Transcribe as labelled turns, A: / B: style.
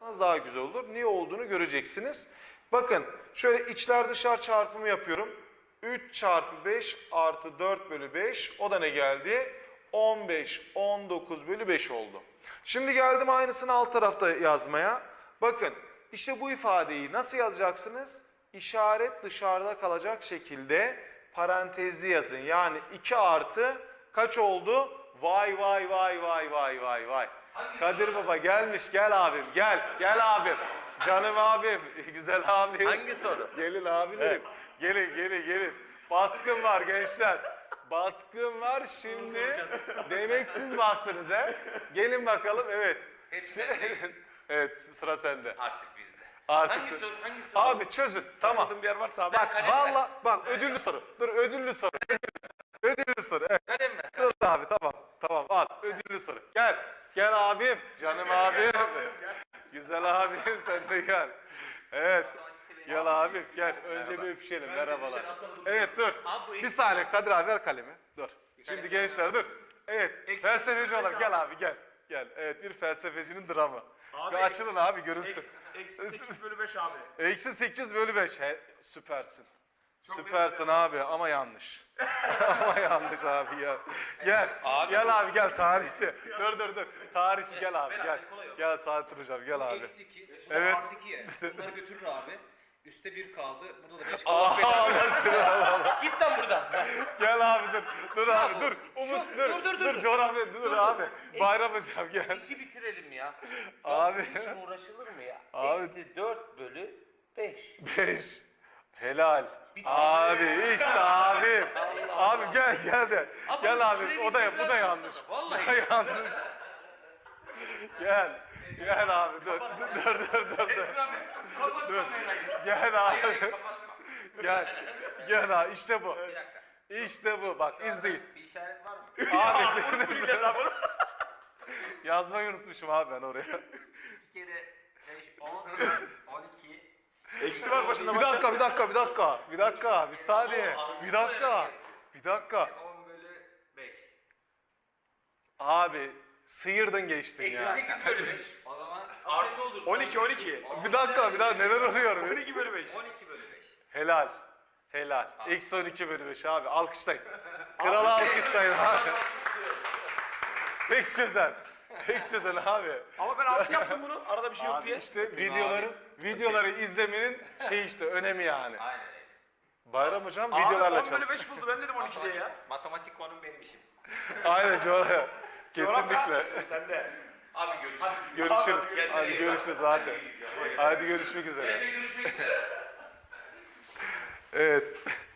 A: yaparsanız daha güzel olur. Niye olduğunu göreceksiniz. Bakın şöyle içler dışlar çarpımı yapıyorum. 3 çarpı 5 artı 4 bölü 5 o da ne geldi? 15, 19 bölü 5 oldu. Şimdi geldim aynısını alt tarafta yazmaya. Bakın işte bu ifadeyi nasıl yazacaksınız? İşaret dışarıda kalacak şekilde parantezli yazın. Yani 2 artı kaç oldu? Vay vay vay vay vay vay vay. Kadir Baba gelmiş, gel abim, gel, gel abim. Canım abim, güzel abim.
B: Hangi soru?
A: Gelin abilerim, gelin gelin gelin. Baskın var gençler. Baskın var şimdi. Demek siz bastınız he. Gelin bakalım, evet. Evet, sıra sende.
B: Artık bizde.
A: Artık
B: Hangi soru? Hangi soru?
A: Abi çözün, tamam.
C: Anladığım bir yer varsa abi.
A: Bak valla bak ödüllü soru. Dur ödüllü soru. Ödüllü soru. Evet.
B: Kalem ver.
A: Dur abi tamam. Tamam al ödüllü soru. Gel. Gel abim. Canım abim. Güzel abim sen de gel. Evet. Gel abim gel. Önce bir öpüşelim. Merhabalar. Evet dur. Bir saniye Kadir abi ver kalemi. Dur. Şimdi gençler dur. Evet. Felsefeci olarak gel abi gel. Gel. Evet bir felsefecinin dramı.
C: Abi,
A: Bir açılın abi görünsün.
C: Eksi 8 bölü 5 abi.
A: Eksi 8 bölü 5. Süpersin. Süpersin abi ama yanlış. Ama yanlış abi ya. Gel.
B: Abi.
A: Gel abi gel tarihçi. Dur. Tarihçi gel abi
B: Ver
A: gel.
B: abi, kolay yok.
A: Gel Saadettin hocam gel abi.
B: Eksi 2. Sonra
A: Evet.
B: artı 2 ya. Bunları götürür abi. Üste 1 kaldı. Burada da 5
A: Aa,
B: kaldı.
A: nasıl Allah.
B: Git lan buradan.
A: Gel abi dur. Dur abi
B: bu?
A: dur. Umut dur.
B: dur.
A: Dur coğrafya dur abi. Bayram hocam gel.
B: İşi bitirelim ya.
A: Abi.
B: Bunun için uğraşılır mı ya?
A: Abi.
B: Eksi 4 bölü 5.
A: 5. Helal.
B: Bitti.
A: Abi işte abi.
B: Allah
A: Abi gel de.
B: Abi
A: Gel abi.
B: süreyi
A: O da bu
B: biraz
A: da yanlış.
B: fazla. Vallahi.
A: Bu da yanlış. Gel. Gel abi dur. Dur. Dur. Gel abi. Gel abi. İşte bu.
B: Bir dakika.
A: İşte bu. Bak izleyin.
B: Bir işaret var mı?
A: Abi
C: Bileceğiz abi bunu.
A: yazmayı unutmuşum abi ben oraya.
B: 2 kere 5, 10, 12.
C: Eksi var başında.
A: Bir dakika. Bir saniye. Bir dakika.
B: 10 bölü 5.
A: Abi sıyırdın geçtin
B: Eksi
A: ya.
B: 8 bölü 5. O zaman artı olur.
C: 12.
A: Bir dakika neler oluyor?
C: 12 bölü 5.
B: 12 bölü 5.
A: Helal. Eksi 12 bölü 5 abi. Alkışlayın. Kralı alkışlayın abi. Tek çözen abi.
C: Ama ben 6 yaptım bunu. Arada bir şey yok
A: Abi
C: diye.
A: işte videoları izlemenin işte önemi yani.
B: Aynen.
A: Bayram hocam
C: Abi
A: videolarla
C: 10 bölü
A: çalışıyor.
C: 5 buldu. Ben dedim 12 diye ya.
B: Matematik konum benim işim.
A: Aynen coğrafya. Kesinlikle.
C: Sen de.
B: Abi görüşürüz.
A: Görüşürüz. Hadi görüşürüz hadi. Hadi görüşmek üzere.
B: Görüşmek üzere.
A: Evet.